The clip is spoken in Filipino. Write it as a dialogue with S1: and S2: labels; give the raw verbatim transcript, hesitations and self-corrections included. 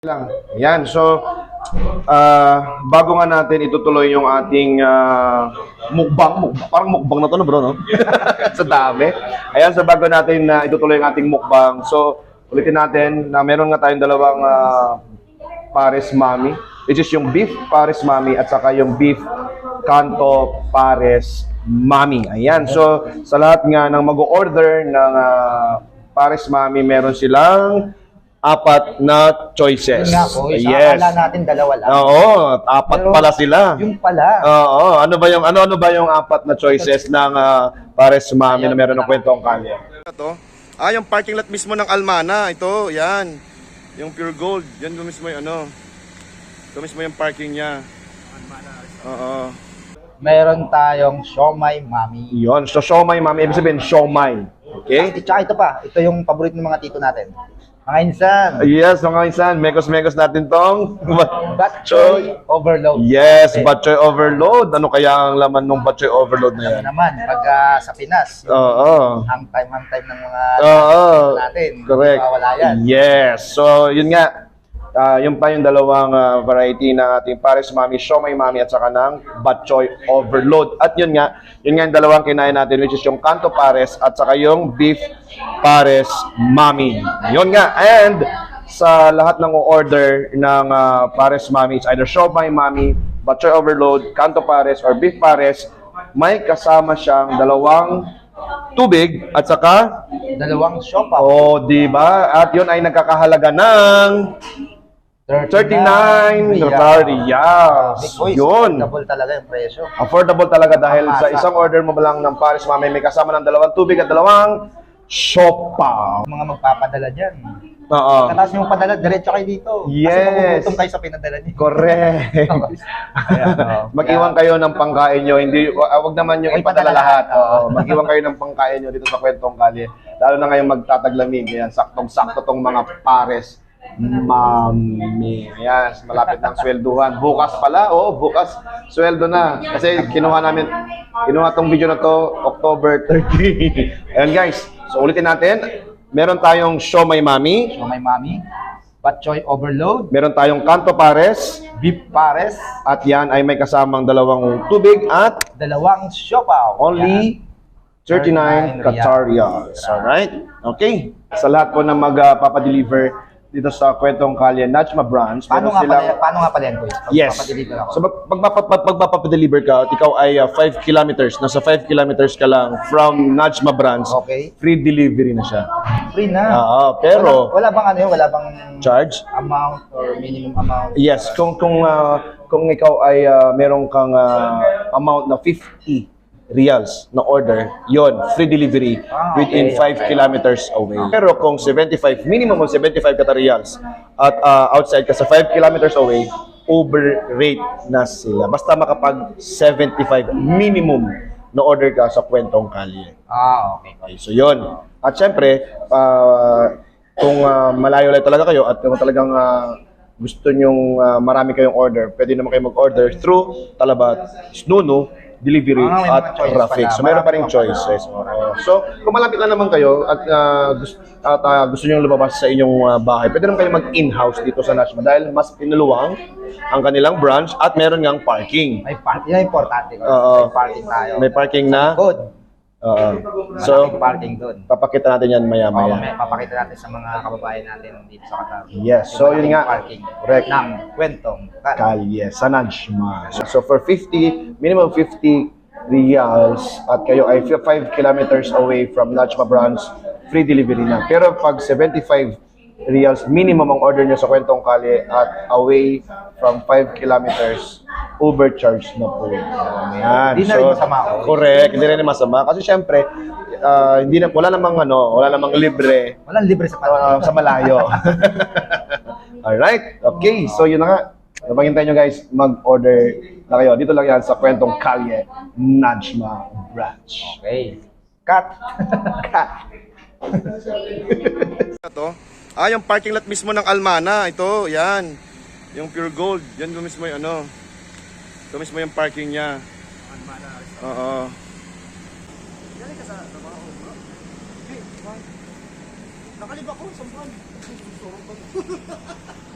S1: Lang. Yan. So, uh, bago nga natin itutuloy yung ating uh, mukbang, mukbang, parang mukbang na to no bro, no? Sa dami. Ayan, so bago natin na uh, itutuloy yung ating mukbang. So, ulitin natin na meron nga tayong dalawang uh, Pares Mami, which is yung beef Pares Mami at saka yung beef Kanto Pares Mami. Ayan. So, sa lahat nga ng mag-order ng uh, Pares Mami, meron silang apat na choices.
S2: Yun nga po, isa
S1: yes.
S2: akala natin dalawa lang.
S1: Oo, apat
S2: Pero
S1: pala sila.
S2: Yung pala.
S1: Oo, ano ba yung ano ano ba yung apat na choices ng uh, Pares Mami na meron ng kwentong kalye? Ito. Ah, yung parking lot mismo ng Almana, ito, yan. Yung Pure Gold, yan yung mismo yung ano. Ito mismo yung parking niya. Oo.
S2: Meron tayong Siomai Mami.
S1: Yon, so siomai Mami, ibig sabihin siomai. Okay?
S2: At tsaka ito pa, ito yung paborito ng mga tito natin. Mga insan.
S1: Yes, mga insan, mekos-mekos natin tong
S2: Batchoy Overload.
S1: Yes, batchoy overload. Ano kaya ang laman ng batchoy overload na yan?
S2: Ano naman, pag uh, sa Pinas, yung
S1: Oo.
S2: hang time, hang time ng mga
S1: Oo.
S2: tito natin.
S1: Correct.
S2: Hindi mawala yan.
S1: Yes. So, yun nga. Uh, yung pa yung dalawang uh, variety ng ating Pares Mami, Siomai Mami at saka ng Batchoy Overload. At yun nga, yun nga yung dalawang kinain natin, which is yung Kanto Pares at saka yung Beef Pares Mami. Yun nga. And sa lahat ng order ng uh, Pares Mami, it's either Siomai Mami, Batchoy Overload, Kanto Pares, or Beef Pares, may kasama siyang dalawang tubig at saka
S2: Dalawang siopaw.
S1: oh, di ba? At yun ay nagkakahalaga ng thirty-nine riyals. Yun.
S2: Double talaga yung presyo.
S1: Affordable talaga dahil sa isang order mo lang ng Pares Mami, may kasama ng dalawang tubig at dalawang siopaw.
S2: Mga magpapadala dyan.
S1: Oo.
S2: Katas yung padala, diretso kayo dito.
S1: Yes.
S2: Kasi magugutom kayo sa pinadala niyo.
S1: Correct.
S2: Ayan, oh.
S1: Mag-iwan kayo ng pangkain nyo. Hindi, uh, wag naman yung
S2: Ay,
S1: ipadala
S2: padala
S1: lahat.
S2: lahat.
S1: Oo. Mag-iwan kayo ng pangkain nyo dito sa Kwentong Kalye. Lalo na ngayong magtataglamig. Ayan, saktong-sakto tong mga Pares Mami. Ayan, malapit ng swelduhan. Bukas pala, oo, bukas sweldo na. Kasi kinuha namin, kinuha tong video na to October thirtieth. Ayan guys, so ulitin natin. Meron tayong Siomai Mami.
S2: Siomai Mami, Batchoy Overload,
S1: Meron tayong Kanto Pares.
S2: Beef Pares,
S1: At yan ay may kasamang dalawang tubig at
S2: dalawang siopaw.
S1: only thirty-nine Qatar riyals. Alright? Okay. Sa lahat po na magpapadeliver dito sa Kwentong Kalye Najma branch,
S2: Paano
S1: meron
S2: nga, pala,
S1: silang...
S2: paano nga pala yan, boys? Pag
S1: Yes.
S2: papadeliver ako.
S1: So pag pag pag- pag magpapadeliver ka at ikaw ay uh, five kilometers, nasa five kilometers ka lang from Najma branch,
S2: Okay.
S1: free delivery na siya.
S2: Free na.
S1: Oo, pero
S2: Wala, wala bang ano yun? Wala bang
S1: charge?
S2: amount or minimum amount?
S1: Yes, kung kung uh, kung ikaw ay uh, meron kang uh, amount na fifty reals na order, yon free delivery
S2: Ah,
S1: within
S2: okay,
S1: five
S2: okay.
S1: kilometers away. Pero kung seventy-five, minimum of seventy-five Qatar reals at uh, outside ka sa five kilometers away, overrate na sila. Basta makapag seventy-five minimum na order ka sa Kwentong Kalye.
S2: Ah, okay.
S1: Okay, so yon. At syempre, uh, kung uh, malayo-layo talaga kayo at kung talagang uh, gusto nyong uh, marami kayong order, pwede naman kayo mag-order through Talabat, Snunu, Delivery
S2: Ah, may mga
S1: at
S2: choices
S1: Rafix.
S2: pala.
S1: So meron pa rin
S2: Marami pa pala.
S1: choices. Oo. So kung malapit lang naman kayo at, uh, gusto, at uh, gusto nyo lumabas sa inyong uh, bahay, pwede naman kayo mag-in-house dito sa Najma dahil mas pinuluwang ang kanilang branch at meron ngang parking.
S2: May parking. Yan ang importante.
S1: Oo.
S2: May parking tayo.
S1: May parking na.
S2: Good.
S1: Oo.
S2: So,
S1: So,
S2: parking doon.
S1: papakita natin yan
S2: Oh,
S1: maya-maya.
S2: may papakita natin sa mga kababayan natin dito sa Qatar.
S1: Yes, so yun
S2: Yung
S1: nga.
S2: Parking.
S1: Correct.
S2: Ng Kwentong Kalye.
S1: Kalye sa Najma. So, so for fifty, minimum fifty reals at kayo ay five kilometers away from Najma branch, free delivery na. Pero pag seventy-five reals minimum ang order nyo sa Kwentong Kalye at away from five kilometers, overcharge na po. Yan.
S2: Hindi na rin masama, oh.
S1: Correct, hindi rin masama. Kasi syempre, ah, hindi na, wala namang ano, wala namang libre
S2: Walang libre sa
S1: uh,
S2: parking.
S1: sa malayo. Alright, okay. So yun na nga. Napagintay nyo guys, mag-order na kayo. Dito lang yan sa Kwentong Kalye, Najma branch.
S2: Okay. Cut.
S1: Cut. Ito. Ah, yung parking lot mismo ng Almana. Ito, yan. Yung Pure Gold. Yan yung mismo yung ano. Ito mismo yung parking niya. Almana. Oo. Yan ka sa trabaho, bro. Nakalib ako, sampan.